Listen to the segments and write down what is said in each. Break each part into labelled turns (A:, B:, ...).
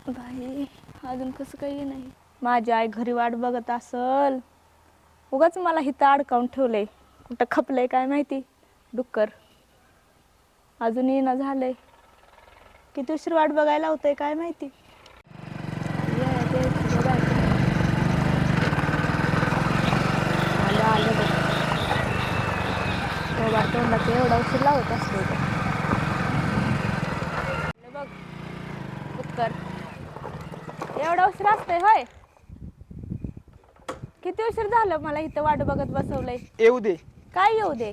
A: बाई अजून कसं काही नाही. माझी आई घरी वाट बघत असल. उगाच मला हिथं अडकावून ठेवलंय. कुठं खपलंय काय माहिती डुक्कर. अजून येणं झालंय. किती उशीर वाट बघायला होतंय काय माहिती. आलं बघ. तोंडाचं एवढा उशीर लावत असतो बघ डुक्कर. एवढा उशीर असतोय होय. किती उशीर झालं मला इथं वाट बघत बसवलंय.
B: येऊ दे.
A: काय येऊ दे.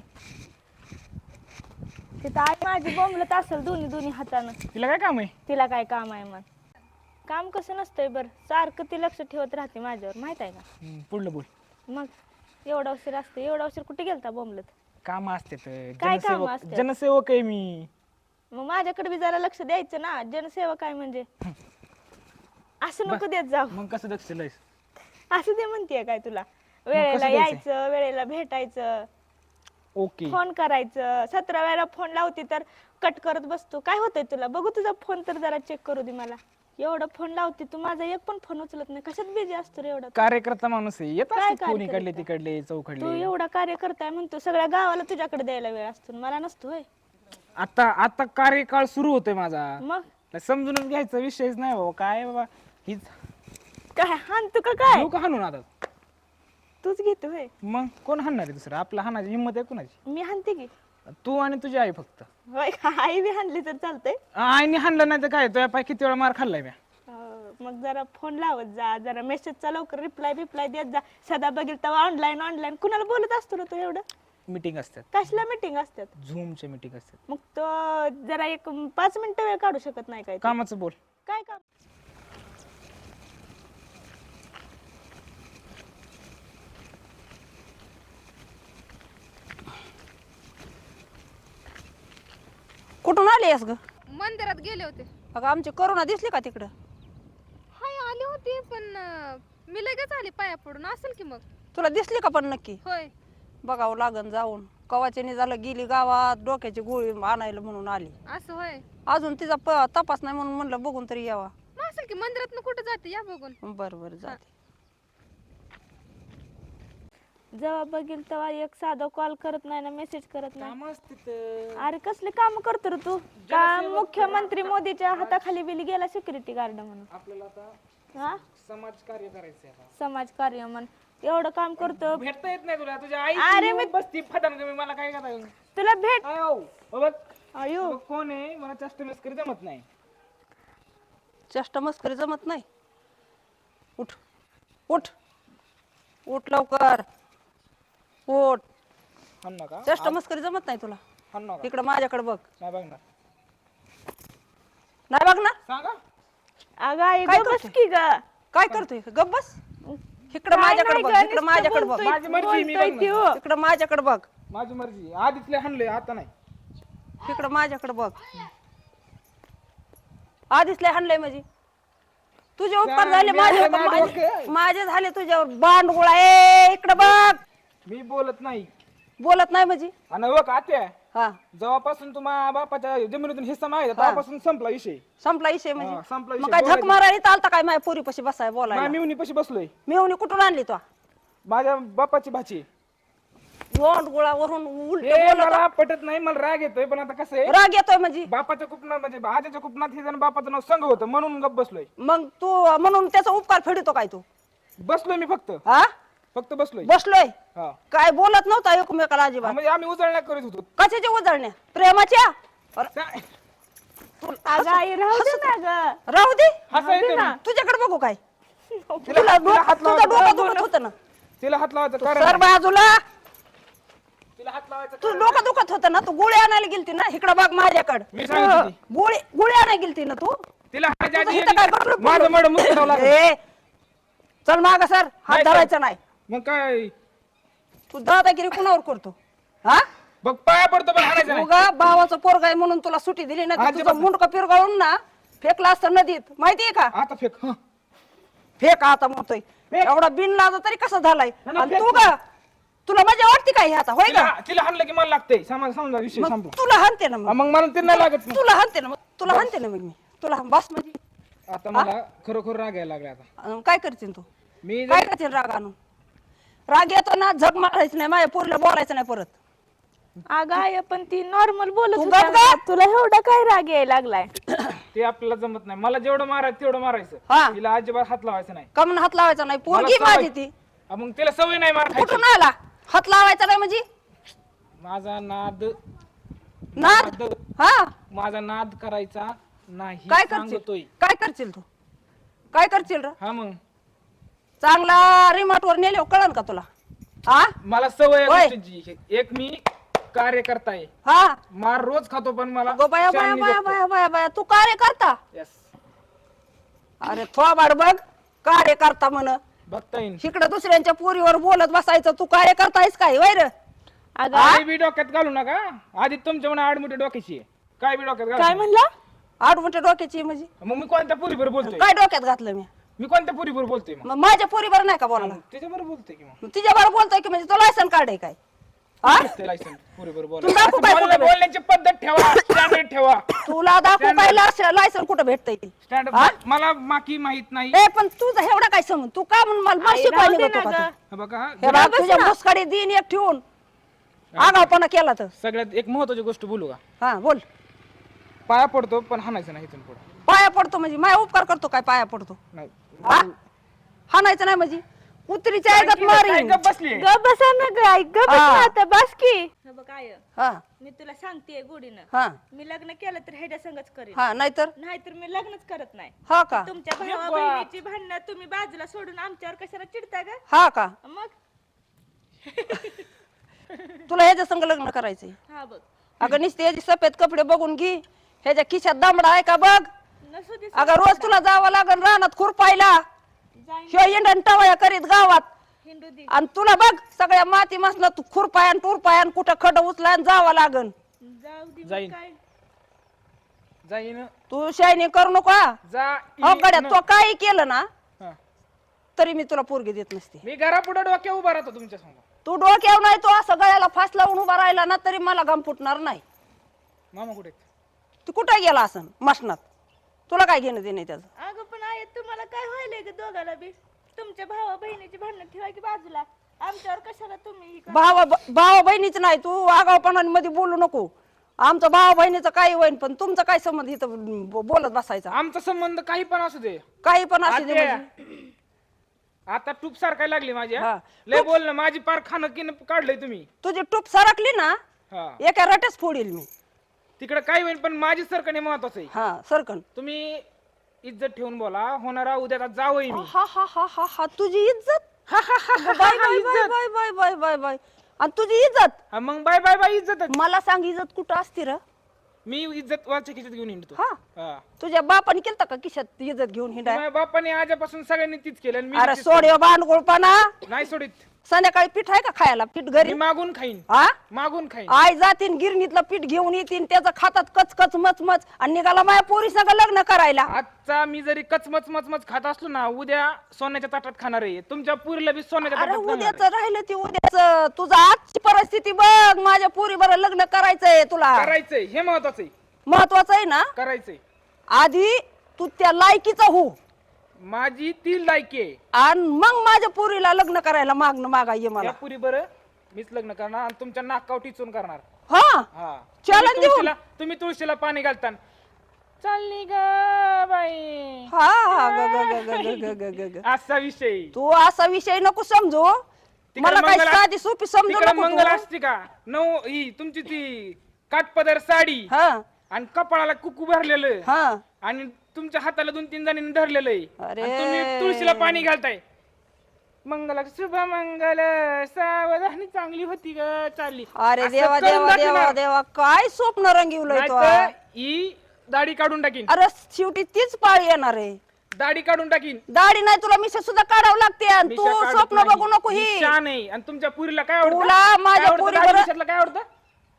A: तिथं आई माझी बोंबलत असेल दोन्ही हातानं.
B: तिला काय काम आहे?
A: तिला काय काम आहे मग. काम कसं नसतंय बरं. सारखं ती लक्ष ठेवत राहते माझ्यावर माहित आहे का.
B: पुढलं बोल.
A: मग एवढा उशीर असते. एवढा उशीर कुठे गेलता बोंबलत.
B: काम असते
A: काय काम असते.
B: जनसेवक आहे मी.
A: मग माझ्याकडे बी जरा लक्ष द्यायचं ना. जनसेवा काय म्हणजे असं नको देत जाऊ.
B: मग कसं लक्ष द्यायचं?
A: असं दे म्हणतीये काय तुला. वेळेला यायचं, वेळेला भेटायचं,
B: ओके
A: फोन करायचं. 17 वेळा फोन लावते तर कट करत बसतो. काय होतंय तुला. बघू तुझा फोन तर जरा चेक करू दे मला. एवढा फोन लावते तू माझा एक पण फोन उचलत नाही. कशात बिझी असतो रे एवढा.
B: कार्यकर्ता माणूस आहे. येत
A: काय
B: असते फोन इकडले
A: कार्यकर्ता?
B: तिकडले
A: तू
B: चौकडले.
A: एवढा कार्य करताय म्हणतो. सगळ्या गावाला तुझ्याकडे द्यायला वेळ असतो मला नसतो होय.
B: आता कार्यकाळ सुरू होतोय माझा.
A: मग
B: समजूनच घ्यायचा विषयच नाही बाबा. काय बाबा हीच
A: काय हान तू का काय
B: लोक हाणून आता.
A: तूच घेतो होय.
B: मग कोण हाणणार आहे दुसरं. आपला हाणाची हिंमत आहे कुणाची.
A: मी हानते की.
B: तू आणि तुझी आई फक्त.
A: होय आई बी हानली तर चालतंय.
B: आईने हाणलं नाही तर काय. तुझ्या पाय किती वेळा मार खाल्लाय मी.
A: मग जरा फोन लावत जा. जरा मेसेजचा लवकर रिप्लाय देत जा. सदा बघील तेव्हा ऑनलाईन कुणाला बोलत असतो ना तू एवढं.
B: मीटिंग असतात.
A: कसल्या मीटिंग असतात.
B: झूमच्या मीटिंग असतात.
A: मग तो जरा एक 5 मिनिटं वेळ काढू शकत नाही काय.
B: कामाचं बोल.
A: काय काम.
C: कुठून आली आहेस ग.
D: मंदिरात गेले होते.
C: अगं आमची करुणा दिसली का तिकडं.
D: हाय आली होती पण मी लगेच आली पाया पडून. असेल की मग.
C: तुला दिसली का पण नक्की.
D: होय
C: बघावं लागन जाऊन. कवाच्याने झालं गेली गावात डोक्याची गोळी आणायला म्हणून आली.
D: असं होय.
C: अजून तिचा तपास नाही म्हणून म्हणलं बघून तरी यावा.
D: मग असेल की मंदिरात कुठं जाते या बघून.
C: बरं जाते.
A: जेव्हा बघील तेव्हा एक साधा कॉल करत नाही ना मेसेज करत नाही.
B: काम असते.
A: अरे कसले काम करतो रे तू. का मुख्यमंत्री मोदीच्या हाताखाली बिली गेला सिक्युरिटी गार्ड म्हणून.
B: आपल्याला आता
A: हा
B: समाज कार्य करायचंय.
A: समाज कार्य म्हण. एवढं काम करतो.
B: भेटता येत नाही तुला. तुझ्या आई
A: अरे मी
B: बसती फटान तुम्ही मला काय करता.
A: तुला भेट
B: बघ
A: आयो
B: कोण आहे. मला चष्ट मस्करी जमत नाही.
C: चष्ट मस्करी जमत नाही. उठ उठ उठ लवकर उठ.
B: हाण नका.
C: चष्ट मस्करी जमत नाही तुला.
B: हाण नका.
C: इकडं माझ्याकडे बघ.
B: नाही बघणार.
C: नाही बघ ना.
B: सांगा.
A: अगं आई
C: काय
A: गं बस
C: करते?
A: की ग.
C: काय करतोय गप बस. इकडं माझ्याकडे बघ. इकडं माझ्याकडे बघ.
B: माझी मर्जी मी
A: बोलतोय ती हो.
C: इकडं माझ्याकडे बघ.
B: माझी मर्जी. आधीतले हाणले आता नाही.
C: इकडं माझ्याकडे बघ. आधीच लय हाणलंय म्हणजे तुझे उपकार झाले माझे झाले तुझ्यावर. बांडगुळा ए इकडं बघ.
B: मी बोलत नाही.
C: बोलत नाही म्हणजे.
B: आणि बघ आत्या
C: हा
B: जेव्हापासून तुम्हा बापाच्या जमिनीतून हिस्सा माहिती तेव्हापासून संपला विषय.
C: संपला विषय
B: हा,
C: म्हणजे.
B: संपला
C: मग
B: विषय.
C: काय झक मारायला चालता काय माझ्या पोरी पशी बसाय बोलायला.
B: मी पशी बसलोय.
C: मिळवणी कुठून आणली तो.
B: माझ्या बापाची भाची.
C: बांडगुळावरून उलट
B: हे
C: बोलत.
B: मला पटत नाही. मला राग येतोय पण आता कसं आहे.
C: राग येतोय म्हणजे.
B: बापाच्या कुपनात म्हणजे आजीच्या कुपनात हे जण बापाचं नाव संघ होतं म्हणून गप बसलोय.
C: मग तू म्हणून त्याचा उपकार फेडतो काय तू.
B: बसलोय मी फक्त बसलोय.
C: बसलोय.
B: हा
C: काय बोलत नव्हता एकमेकाला अजिबात.
B: म्हणजे आम्ही उजळण्या करीत होतो.
C: कशाच्या उजळण्या प्रेमाच्या.
A: अगं आई राहू दे ना ग.
C: राहू दे.
B: हसा येते ना.
C: तुझ्याकडे बघू काय.
B: तिला हात
C: तुझं डोकं दुखत होतं ना.
B: तिला हात लावायचं कारण
C: सर बाजूला.
B: तिला हात लावायचं
C: तू डोकं दुखत होतं ना. तू गोळी आणायला गेलती ना. इकडं बघ माझ्याकडे.
B: मी सांगितलं ती.
C: गोळी आणायला गेलती ना तू.
B: तिला हात आधी
C: इथं काय बडबड
B: माझं मड मुसडावं लागलं.
C: ए, चल माग सर. हात
B: नाही,
C: धरायचा नाही.
B: मग काय
C: तू दादागिरी कुणावर करतो. हा
B: बघ पाया पडतो पण हाणायचं नाही.
C: उगा भावाचं पोरग आहे म्हणून तुला सुट्टी दिली ना.
B: आजी
C: तुझं
B: बस.
C: मुंडकं पिरगाळून ना फेकला असतं नदीत. माहितीये का.
B: आता फेक. हं.
C: फेक आता म्हणतोय.
B: फेक.
C: एवढा बिन लाजा तरी कसा झालाय.
B: ना,
C: आणि
B: फेक.
C: तू का तुला मजा वाटते काय हे आता होय का.
B: तिला हाणलं की मला लागतंय. समजा विषय
C: मग
B: संपला.
C: तुला हाणते ना.
B: मग मला ते नाही लागत.
C: तुला हाणते ना. मग तुला हाणते ना. मग मी तुला बस म्हणजे
B: आता मला खरोखर राग यायला लागला आता.
C: काय करशील तू
B: मी
C: काय करशील राग आणून राग येतो ना झक मारायचं नाही माझ्या पोरीला बोलायचं नाही परत.
A: अगं आहे पण ती नॉर्मल बोलत
C: तू
A: होती
C: गप
A: अगं.
C: गप.
A: तुला एवढा काय राग यायला लागलाय?
B: ते आपल्याला जमत नाही. मला जेवढं मारायचं तेवढं मारायचं.
C: हा.
B: तिला अजिबात हात लावायचा नाही.
C: कमन हात लावायचा नाही
B: मला
C: पोरगी
B: सवय-
C: माझी ती.
B: मग तिला सवय नाही मार खायची.
C: कुठून आला हात लावायचा नाही म्हणजे
B: माझा नाद
C: नाद हा
B: माझा नाद करायचा नाही
C: काय
B: सांगतोय.
C: करशील काय करशील तू काय करशील र
B: हा मग
C: चांगला रिमोट वर नेले कळन का तुला हा
B: मला सवय आहे
C: होय.
B: गोष्टीची. एक मी कार्यकर्ता आहे.
C: हा
B: मार रोज खातो पण मला
C: गो बाया बाया
B: शाननी
C: बाया
B: जगतो.
C: बाया बाया बाया तू कार्य करता
B: Yes.
C: अरे थोबाड बघ कार्य करता म्हण
B: बघता येईल.
C: इकडे दुसऱ्यांच्या पोरीवर बोलत बसायचं तू कार्य करतायस काय वैर
A: अगं
B: काय बी डोक्यात घालू नका. आधी तुमच्या म्हणा आडमुठी डोक्याची आहे. काय बी डोक्यात
A: काय
B: घालू
A: म्हणला?
C: आडमुठ्या डोक्याची म्हणजे
B: मग मी कोणत्या पुरीवर बोलतोय?
C: काय डोक्यात घातलं मी
B: मी कोणत्या पुरीवर बोलतोय मग?
C: मग माझ्या पोरीवर नाही का बोलायला
B: त्याच्याबरोबर बोलतोय की मग
C: तिच्यावर बोलतोय की म्हणजे तो लायसन कार्ड आहे काय हा
B: ते लायसन पुरीवर
C: तू दाखवू काय कुठं
B: बोलण्याची पद्धत ठेवा. स्टँडर्ड ठेवा.
C: तुला दाखवू काय लायसन कुठं भेटतंय ते
B: स्टँडर्ड मला माकी माहित नाही.
C: ए पण तुझं एवढा काय समज तू का म्हणून मला
A: आई,
C: शिकवायला
A: राहू दे
C: निघतो
A: ना
C: का
A: गं.
C: तू?
B: हा बघा
C: हे बघ तुझ्या मुसकाडी दिन एक ठेवून आगावपणा केला तर
B: सगळ्यात एक महत्वाची गोष्ट बोलू का?
C: हा बोल
B: पाया पडतो पण हाणायचं नाही इथून पुढे.
C: पाया पडतो म्हणजे माय उपकार करतो काय पाया पडतो
B: नाही
C: हा हाणायचं नाही म्हणजे कुत्रीच्या ऐकत मारीन
B: गप बसली.
A: गप बसा ना ग आई, गप बस
C: हा.
A: ना आता बस की. हे बघ काय
C: हा
A: मी तुला सांगतेय गोडीनं,
C: हा
A: मी लग्न केलं तर ह्याच्या संगच करेन,
C: हा नाहीतर
A: नाहीतर मी लग्नच करत नाही.
C: हा का
A: तुमच्या भावा बहिणीची भांडणं तुम्ही बाजूला सोडून आमच्यावर कशाला चिडता ग?
C: हा का
A: मग
C: तुला ह्याच्या संग लग्न करायचंय
A: हा बघ
C: अगं नुसते ह्याचे सफेद कपडे बघून घे ह्याच्या खिशात दामडा आहे का बघ
A: नसू दे
C: अगं रोज तुला जावं लागन रानात खुरपायला
A: जाईन
C: ह्यो इंडन टवया करीत गावात
A: हिंदू दे
C: आणि तुला बघ सगळ्या माती मसला तू खुरपायान टुरपायान कुठं खड उचला जावं लागन
A: जाऊ दे मग
B: जाईन.
A: काय.
B: जाईन
C: तू शायनिंग करू नको हा.
B: जा
C: हो गड्या तो काही केलं ना
B: हा.
C: तरी मी तुला पोरगी देत नसते
B: मी घरापुढे डोक्या उभा राहतो तुमच्या समोर.
C: तू डोक्यावर नाही तो असं गळ्याला फास लावून उभा राहिला ना तरी मला घाम फुटणार नाही
B: मामा कुठे आहेत?
C: तू कुठे गेला असं मशनात तुला काय घेणं देणे त्याचं
A: अगं पण आहे तुम्हाला काय व्हायलंय ग दोघाला बी? तुमच्या भावा बहिणीची भांडणं ठेवा की बाजूला, आमच्यावर कशाला तुम्ही ही करता?
C: भावा बहिणीच नाही तू आगावपणामध्ये बोलू नको आमचं भावा बहिणीचं काही होईन पण तुमचं काय संबंध इथं बोलत बसायचा
B: आमचा संबंध काही पण असू दे.
C: काही पण असू दे
B: आत्या,
C: म्हणजे.
B: आता टूप सारखाय लागली माझ्या.
C: हा.
B: लय बोल ना माझी पार खाणं किन काढलंय तुम्ही.
C: तुझी टूप सरकली ना
B: हा
C: एका रट्याच फोडील मी
B: तिकडे काही होईल पण माझी सरकणे महत्वाचं आहे.
C: हा सरकन
B: तुम्ही इज्जत ठेवून बोला. होणारा उद्या जावई मी.
C: हा हा हा हा हा तुझी इज्जत bye bye bye bye bye bye bye bye आणि तुझी इज्जत
B: हा, मग बाय बाय बाय इज्जत.
C: मला सांग इज्जत कुठं असती र
B: मी इज्जत वाच्या खिशात घेऊन येतो.
C: हा
B: हा.
C: तुझ्या बापाने केलता का खिशात इज्जत घेऊन हिंडाय
B: माझ्या बापाने आजपासून सगळ्यांनी तीच केलं आणि मी
C: अरे
B: तीच
C: सोड बांडगोळपणा
B: केलं. नाही सोडित.
C: संध्याकाळी पीठ आहे का खायला पीठ घरी
B: मी मागून खाईन.
C: हा
B: मागून खाईन.
C: आई जातीन गिरणीतलं पीठ घेऊन येतीन त्याचं खातात कच कच मच मच आणि निघाला माझ्या पोरी संग लग्न करायला
B: आजचा मी जरी कचमच मचमच खात असलो ना उद्या सोन्याच्या ताटात खाणार आहे. तुमच्या पुरीला बी सोन्याच्या
C: अरे
B: ताटात खाणार
C: उद्याच
B: आहे.
C: राहिलं ते उद्याच तुझं आजची परिस्थिती बघ माझ्या पोरी बरं लग्न करायचंय तुला
B: करायचंय हे महत्वाचं आहे.
C: महत्वाचं आहे ना
B: करायचंय.
C: आधी तू त्या लायकीचा हो
B: माझी ती लायकी आहे.
C: आणि मग माझ्या पोरीला लग्न करायला मागा ये मला
B: या पुरी बरं मीच लग्न करणार आणि तुमच्या नाकाव टिचून करणार.
C: हा
B: हा
C: चलन देऊन
B: तुम्ही तुळशीला पाणी घालता चालली ग बाई
C: हा हा ग ग ग ग ग ग ग ग.
B: असा विषय.
C: तू असा विषय नको समजू मला काय
B: मंगल
C: साधी सोपी समजू
B: तिकडे
C: नको
B: मंगल
C: तू.
B: असते का नऊ ही तुमची ती काटपदर साडी
C: हा
B: आणि कपाळाला कुकू भरलेलं
C: हा
B: आणि तुमच्या हाताला 2-3 जणांनी धरलेलं आहे
C: अरे.
B: आणि तुम्ही तुळशीला पाणी घालताय. मंगला शुभ मंगल सावधानी चांगली होती ग चालली.
C: अरे
B: असं
C: देवा
B: करून
C: देवा
B: दाखवणार.
C: देवा देवा काय स्वप्न रंगवलंय तो
B: नाहीतर ही दाढी काढून टाकीन.
C: अरे शेवटी तीच पाळी येणार आहे
B: दाढी काढून टाकीन.
C: दाढी नाही तुला मिशा सुद्धा काढावं लागते आणि तू
B: मिशा काढत
C: स्वप्न
B: नाही.
C: बघू नको ही
B: मिशा नाही. आणि तुमच्या पुरीला काय आवडतं?
C: तुला माझ्या
B: काय आवडतं?
C: पोरीबरोबर-
B: दाढी मिशातलं काय आवडतं?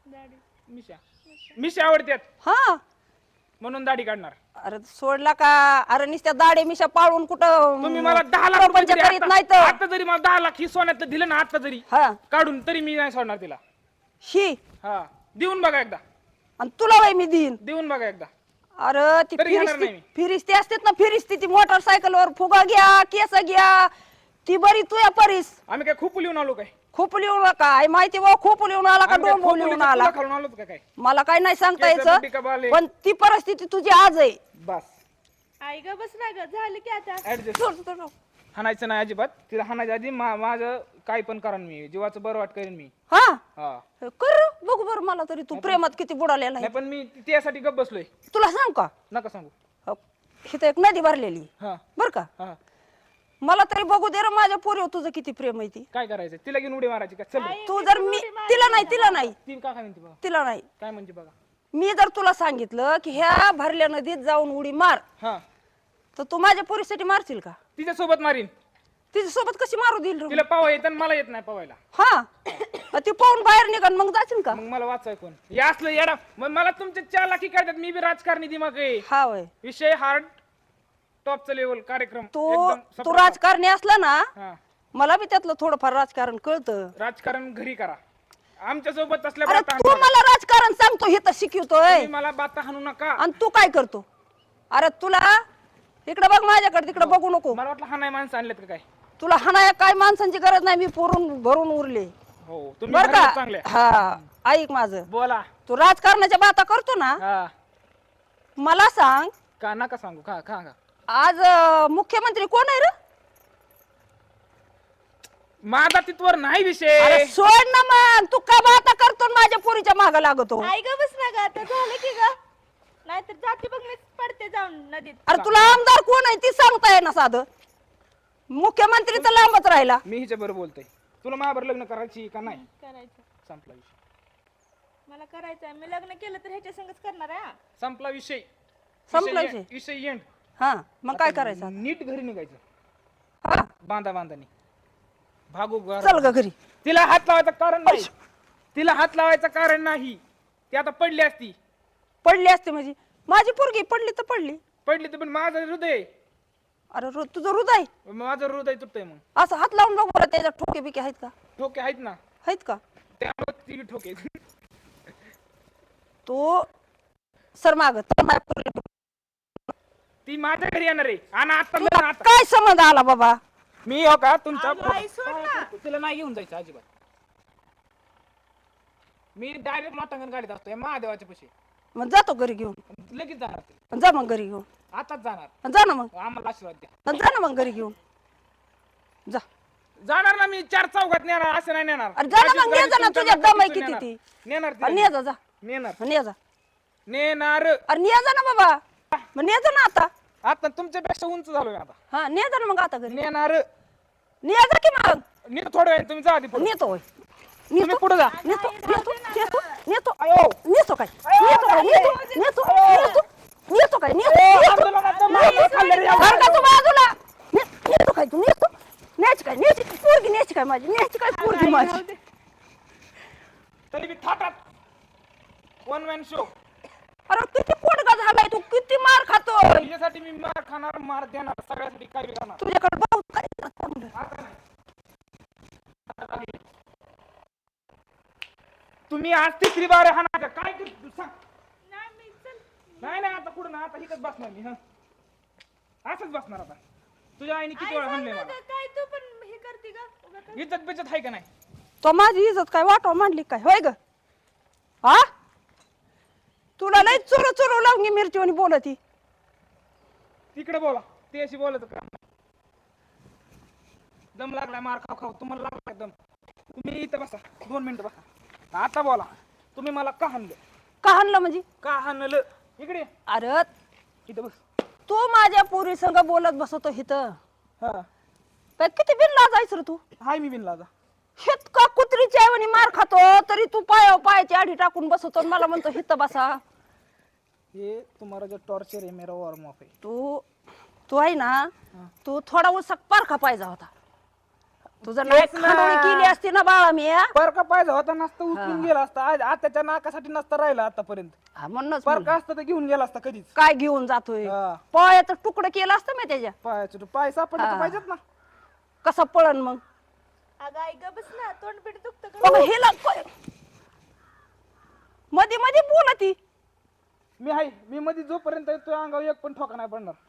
B: मिशा मिशा आवडतात
C: हा
B: म्हणून दाढी काढणार.
C: अरे सोडला का अरे नुसत्या दाढी मिशा पाळून कुठं
B: तुम्ही मला 10 लाख रुपये
C: प्रपंच
B: जरी
C: करीत
B: आता
C: नाही तर
B: आता जरी मला 10 लाख ही सोन्यातलं दिलं ना आता जरी
C: हा
B: काढून तरी मी नाही सोडणार तिला.
C: ही
B: हा देऊन बघा एकदा.
C: आणि तुला वय मी देईन
B: देऊन बघा एकदा.
C: अरे ती
B: तरी घेणार नाही मी.
C: फिरिस्ती असतात ना, फिरिस्ती ती मोटरसायकलवर फुगा घ्या, केस घ्या, ती बरी तुया परीस.
B: आम्ही काय खूप लिहून आलो काय
C: खूप लिहून काय माहिती बा, खूप लिहून आला का
B: आम्ही काय
C: डोंबो लिहून
B: खोपोलीचं
C: आला,
B: तुला खालून आलोत का काय
C: मला काय नाही सांगता
B: केस बुड्डी का बाले?
C: यायचं, पण ती परिस्थिती तुझी आज आहे.
B: बस
A: आई ग बस ना ग, झालं की आता.
B: ऍडजस्ट
C: सोड, सोड, सोड.
B: हाणायचं नाही अजिबात. तिला हाणायच्या आधी माझं काय पण करेन मी, जीवाचं बरं वाट करेन मी.
C: हा
B: हा
C: कर बघू बरं मला तरी तू प्रेमात किती बुडालेला
B: नाही
C: आहे.
B: पण मी त्यासाठी गप बसलोय.
C: तुला सांग का,
B: नका सांगू.
C: इथं एक नदी भरलेली
B: हा
C: बर का,
B: हा
C: मला तरी बघू दे रे माझ्या पोरीवर तुझं किती प्रेम आहे ती.
B: काय करायचं, तिला घेऊन उडी मारायची का? चल रे.
C: तू जर मी तिला नाही
B: ती का काय म्हणते बघा,
C: तिला नाही,
B: काय म्हणते बघा.
C: मी जर तुला सांगितलं की ह्या भरल्या नदीत जाऊन उडी मार,
B: हा
C: तर तू माझ्या पोरीसाठी मारशील का?
B: तिच्या सोबत मारीन.
C: तिच्या सोबत कशी मारू देईल रे?
B: तिला पावा येत मला येत नाही पावायला.
C: हा ती पाहून बाहेर निघाल मग जाशील का?
B: मग मला वाचाय कोण या असलं येडा. मग मला तुमचे 4 लाखी काढतात. मी बी राजकारणी दिमाग आहे.
C: हा वय
B: विषय हार्ड टॉपचा लेवल कार्यक्रम
C: तू
B: एकदम
C: तू
B: सपाट.
C: राजकारणी असला ना,
B: हा
C: मला बी त्यातलं थोडंफार राजकारण कळतं.
B: राजकारण घरी करा. आमच्या सोबत असल्या
C: अरे
B: बाता
C: तू
B: हाणू नका.
C: मला राजकारण सांगतो हे तर शिकवतोय,
B: तुम्ही मला बाता हाणू नका.
C: आणि तू काय करतो? अरे तुला इकडे बघ माझ्याकडे, तिकडे बघू नको.
B: मला वाटलं हा नाही माणसं आणलेत का काय.
C: तुला हाणाया काय माणसांची गरज नाही, मी पोरून भरून उरले
B: हो तुम्ही
C: बर
B: घरात
C: का.
B: चांगले.
C: हा ऐक माझं,
B: बोला.
C: तू राजकारणाच्या बाता करतो ना,
B: हा
C: मला सांग
B: का नका सांगू. का का का
C: आज मुख्यमंत्री कोण आहे रे?
B: माझा तिथवर नाही
C: अरे
B: विषय.
C: सोड ना मग, तू का बाता करतो आणि माझ्या पोरीच्या माग लागतो?
A: आई ग बस ना ग, आता झालं की ग, नाहीतर जाते बघ मी पडते जाऊन नदीत.
C: अरे तुला आमदार कोण आहे ती सांगता येईना साधं, मुख्यमंत्री तर लांबच राहिला.
B: मी हिच्या बरोबर बोलतोय. तुला माझ्यावर लग्न करायची का नाही?
A: करायचं,
B: संपला विषय.
A: मला करायचंय. मी लग्न केलं तर ह्याच्या संगच करणार आहे.
B: संपला विषय.
C: संपला
B: विषय
C: विषय.
B: विषय एंड.
C: हा मग काय करायचं?
B: नीट घरी निघायचं.
C: हा
B: बांधा बांधानी भागू घर.
C: चल ग घरी.
B: तिला हात लावायचं कारण नाही. तिला हात लावायचं कारण नाही. ती आता पडली असती.
C: पडली असते म्हणजे माझी पोरगी पडली तर पडली.
B: पडली तर पण माझं हृदय,
C: अरे तुझं हृदय
B: माझं हृदय तुटतंय. मग
C: असं हात लावून बघ बरं, त्याच्यात ठोके बिके आहेत का?
B: ठोके आहेत ना,
C: आहेत का?
B: त्यामुळे ती बी ठोके.
C: तो सर माग
B: ती माझ्या घरी येणार आहे. आणि आता लग्न आता
C: काय संबंध आला बाबा?
B: मी हो का तुमच्या
A: अगं, आई सोड ना.
B: तिला नाही घेऊन जायचं अजिबात. मी डायरेक्ट माटांगण गाडीत असतो या महादेवाच्या पशी.
C: मग जातो घरी घेऊन.
B: लगेच जाणार ते.
C: जा मग घरी घेऊन.
B: आताच जाणार.
C: जा ना मग,
B: आम्हाला आशीर्वाद द्या.
C: जा ना मग घरी घेऊन जा.
B: जाणार ना मी 4 चौघात नेणार, असं नाही नेणार.
C: अरे जा ना मग,
B: अशीच
C: ने जा ना,
B: गाडी
C: तुझ्या
B: तुमच्या
C: दम आहे
B: गाडीतून
C: किती ती.
B: नेणार
C: अरे
B: तिला.
C: ने जा, जा
B: नेणार
C: ने जा.
B: नेणार.
C: अरे ने जा ना बाबा, मग ने जा ना आता.
B: आता तुमच्यापेक्षा उंच झालोय आता.
C: हा ने जा ना मग आता घरी.
B: नेणार.
C: ने जा की मग.
B: नीट थोडं वेळ तुम्ही जा आधी पुढे.
C: नेतो होय.
B: तुम्ही पुढे जा.
C: नेतो नेतो नेतो नेतो
B: अयो.
C: नेतो काय नेतो काय नेतो नेतो नेतो नेतो काय नेतो
B: आंदोलनाचं मागं खाल्लं रे.
C: तू बाजूला नेतो काय तू नेतो न्यायची काय न्यायची पोरगी न्यायची काय माझी न्यायची काय पोरगी माझी.
B: तरी बी थाटात 1 मॅन शो.
C: अरे किती पोटगा झालाय तू, किती मार खातोय.
B: तुझ्यासाठी मी मार खाणार, मार देणार, सगळ्यासाठी काय बी करणार.
C: तुझ्याकडे बहुत काय चांगलं.
B: आता नाही. तुम्ही आज 3री बार हाणायचं काय करतो सांग. नाही नाही आता कुठं ना, आता इथंच बसणार मी. हा असंच बसणार आता. तुझ्या आईने किती वेळा हाणलंय मला.
A: काय तू पण हे करते का?
B: इज्जत बिज्जत आहे का नाही?
C: तो माझी इज्जत काय वाटव मांडली काय होय ग? हा तुला लय चोर चोर लावून मिरची आणि बोलती.
B: तिकडे बोला, ते अशी बोलत का? दम लागलाय मार खाऊ खाऊ. तुम्हाला लागलाय दम. तुम्ही इथं बसा 2 मिनिटं बसा. आता बोला, तुम्ही मला का हाणलं?
C: का हाणलं म्हणजे?
B: का हाणलं? इकडे ये.
C: अरे
B: इथं बस.
C: तू माझ्या पोरी संग बोलत बसतो इथं.
B: हा
C: काय किती बिनला जायचं रे तू?
B: हाय मी बिनला.
C: हेत का कुत्रीच्या ऐवणी मार खातो तरी तू पायाची आडी टाकून बसतो आणि मला म्हणतो हित बसा.
B: ये तुम्हारा जो टॉर्चर है मेरा वॉर्म अप है.
C: तू आहे ना, तू थोडा उसक पारखा पाहिजे होता. तुझं नाही
B: तेच ना.
C: खांडोळी केली असती ना बाळा मी.
B: परका पाहिजे होता नसता उचलून गेला असता. आज आताच्या नाकासाठी नसता राहिला आतापर्यंत.
C: म्हणूनच
B: परका असता तर घेऊन गेला असता कधीच.
C: काय घेऊन जातोय?
B: हा.
C: पायाचं तुकडं केलं असतं मी त्याच्या.
B: पायाचं पाय सापडले तर पाहिजेत ना.
C: कसा पळण मग?
A: अगं आई ग बस ना, तोंडपीठ दुखतं का?
C: बघ हिला मध्ये मध्ये बोलती.
B: मी आहे, मी मध्ये जोपर्यंत तो अंगावर एक पण ठोका नाही पडणार.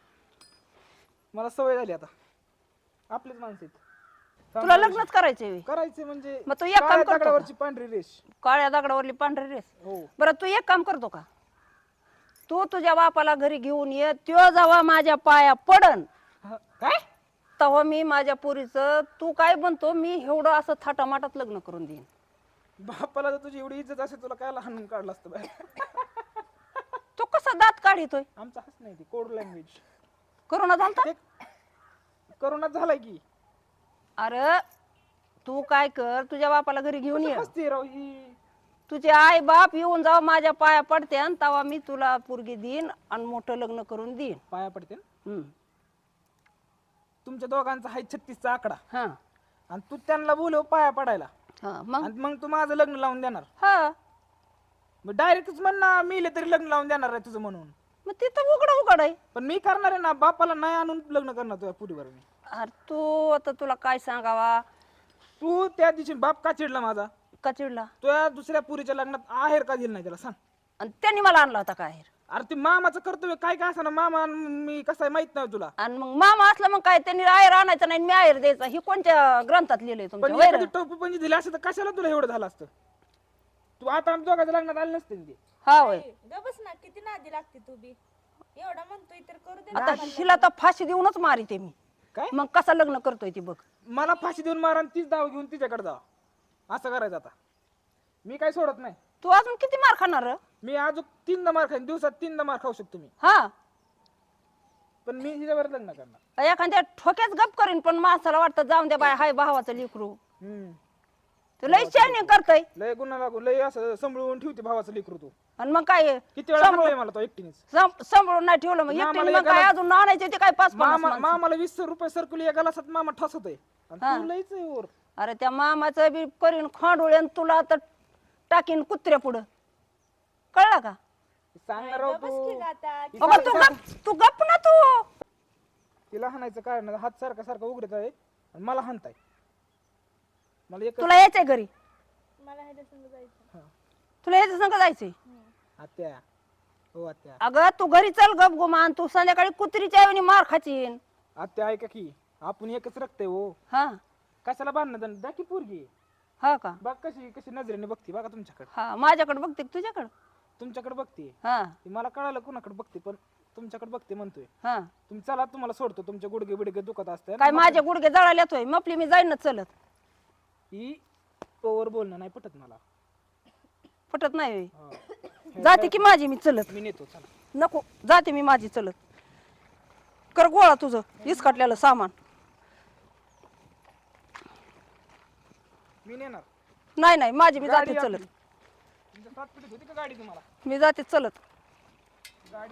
B: मला सवय झाली आता. आपलीच माणसं आहेत.
C: तुला लग्नच करायचंय
B: करायचे म्हणजे
C: मग तू एक काम
B: काळ्या
C: करतो का?
B: दगडावरची पांढरी रेष.
C: काळ्या दगडावरली पांढरी रेस.
B: हो.
C: बरं तू एक काम करतो का? तू तुझ्या बापाला घरी घेऊन ये, त्यो जेव्हा माझ्या पाया पडन
B: काय
C: तेव्हा मी माझ्या पोरीचं तू काय म्हणतो मी एवढं असं थाटामाटात लग्न करून देईन.
B: बापाला जर तुझी एवढी इज्जत असेल तुला काय हाणून काढलं असतं बाहेर.
C: तो कसा दात काढितोय?
B: आमचा हस नाही ती कोड लँग्वेज.
C: करोना झालता?
B: ते करोनात झालाय की.
C: अरे तू काय कर, तुझ्या बापाला घरी घेऊन ये.
B: हसते राव ही.
C: तुझे आई बाप येऊन जाऊ माझ्या पाया पडते आणि तेव्हा मी तुला पोरगी देईन आणि मोठं लग्न करून देईन.
B: पाया पडते ना.
C: हम्म.
B: तुमच्या दोघांचा आहे 36चा आकडा
C: हा
B: आणि तू त्यांना बोलव पाया पडायला
C: हा मग
B: आणि मग तू माझं लग्न लावून देणार.
C: हा
B: मग डायरेक्टच म्हण ना मेले तरी लग्न लावून देणार आहे तुझं म्हणून.
C: मग तिथं उघड आहे.
B: पण मी करणार आहे ना, बापाला नाही आणून लग्न करणार तुझ्या पुरीवर मी.
C: अरे तू आता तुला काय सांगावा?
B: तू त्या दिवशी बाप का चिडला माझा?
C: का चिडला?
B: तुझ्या दुसऱ्या पुरीच्या लग्नात आहेर का दिलं नाही त्याला सांग.
C: आणि त्यांनी मला आणला होता काय?
B: अरे ते मामाचं कर्तव्य काय काय असं ना, मामा आणि मी कसं आहे माहित नाही तुला.
C: आणि मग मामा असला मग काय त्यांनी आयर आणायचा नाही मी आयर द्यायचा. ही कोणत्या ग्रंथात लिहिलंय
B: पण
C: तुमच्या?
B: एखादी टोपी पण दिली असं तर कशाला तुला एवढं झालं असतं? तू आता आमच्या दोघांच्या लग्नात आले नसते ना ते.
C: हा होय.
A: गबस ना, किती नादी लागते तू बी. एवढा म्हणतोय तर करू दे.
C: आता हिला तर फाशी देऊनच मारिते मी.
B: काय
C: मग कसा लग्न करतोय ती बघ.
B: मला फाशी देऊन मारा आणि तीच दाव घेऊन तिच्याकडे जावा असं करायचं आता. मी काय सोडत नाही.
C: तू अजून किती मार खाणार रे?
B: मी अजून 3दा मार खाईन, दिवसात 3दा मार खाऊ शकतो मी.
C: हा
B: पण मी हिच्यावर लग्न करणार.
C: एखाद्या ठोक्याच गप करीन पण माणसाला वाटतं जाऊन द्या बाय हाय भावाचं लेकरू.
B: हम्म.
C: तू लय शायनिंग करतय.
B: लय गुन्हा लागू लय असं सांभाळून ठेवते भावाचं लेकरू तू.
C: आणि मग काय
B: किती वेळा सांगतोय मला तो एकटीनेच.
C: सांभाळून नाही ठेवलं मग
B: मामाला
C: एकटीने मग काय
B: एकाला-
C: अजून आणायचे ते काय 5-50
B: मामा
C: माणसं.
B: मामाला 20 रुपये सर्कुल या गलासात मामा ठसतोय आणि
C: हा.
B: तू लयच आहे वर.
C: अरे त्या मामाचं बी करीन खांडोळे आणि तुला तर टाकीन कुत्र्या पुढं. कळलं का?
B: सांगणार राव तू.
C: अगं तू गप ना तू.
B: तिला हाणायचं कारण नाही. हात सारखा सारखा उघडत आहे आणि मला हाणताय. मला एक
C: तुला यायचंय घरी?
A: मला ह्याच्या संग जायचं.
B: हा.
C: तुला यायचं संग जायचंय?
B: आत्या हो आत्या.
C: अगं तू घरी चल गप गुमान. तू संध्याकाळी कुत्रीच्या ऐवणी मार खाचीन.
B: आत्या ऐका की आपण एकच रक्त आहे हो.
C: हा
B: कशाला बांधणं द्या की पोरगी.
C: हा का?
B: बघ कशी कशी नजरेने बघते बघा तुमच्याकडे.
C: हा माझ्याकडे बघते का तुझ्याकडे?
B: तुमच्याकडे बघते.
C: हा
B: ती मला कळालं कुणाकडे बघते पण तुमच्याकडे बघते म्हणतोय.
C: हा
B: तुम्ही चला तुम्हाला सोडतो. तुमचे गुडघे बिडघे दुखत असते
C: काय माझे गुडघे जळाले येतोय मपली मी जाईन ना चलत.
B: ही ओवर बोलणं नाही पटत मला.
C: पटत नाही होय.
B: हा.
C: जाते की माझी मी चलत.
B: मी नेतो चला.
C: नको जाते मी माझी चलत. कर गोळा तुझं इसकाटलेलं सामान.
B: मी नेणार.
C: नाही नाही माझी मी
B: गाडी
C: जाते
B: आपली.
C: चलत.
B: तुमच्या सात पिढीत होती का गाडी तुम्हाला?
C: मी जाते चलत.
B: गाडी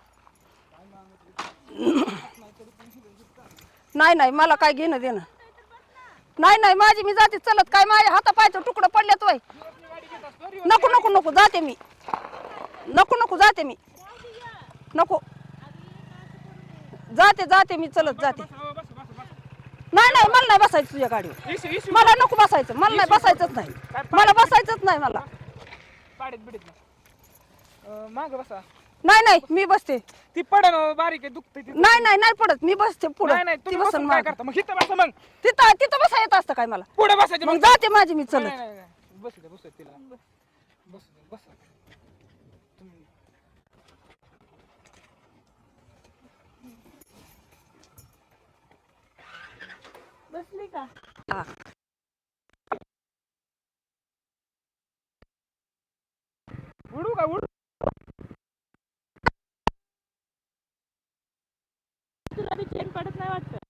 C: नाही नाही मला काय घेणं देणं नाही. नाही माझी मी जाते चलत. काय माझ्या हाता पायचं तुकडं पडल्यात वय. नको नको नको जाते मी. नको नको जाते मी. नको जाते जाते मी चलत जाते. नाही नाही मला नाही बसायचं तुझ्या गाडीवर. मला नको बसायचं. मला नाही बसायचंच नाही. मला बसायचंच नाही मला.
B: पाडीत बिडीत माग बसा.
C: नाही नाही मी बसते.
B: ती पडन बारीक आहे दुखते ती.
C: नाही नाही नाही पडत. मी बसते पुढे.
B: नाही नाही
C: ती
B: तुम्ही
C: बसन
B: बसून काय
C: मागं.
B: करता मग? इथं बसा मग.
C: तिथं तिथं बसा येत असतं काय मला?
B: पुढे बसायचं
C: मग जाते माझी मी चलत.
B: नाही, नाही, नाही. बसू द्या बसू द्या तिला. बसू द्या बसा. तुम्ही
A: बसली का?
C: हा.
B: उडू का उडू?
A: तुला बी चेन पडत नाही वाटतं.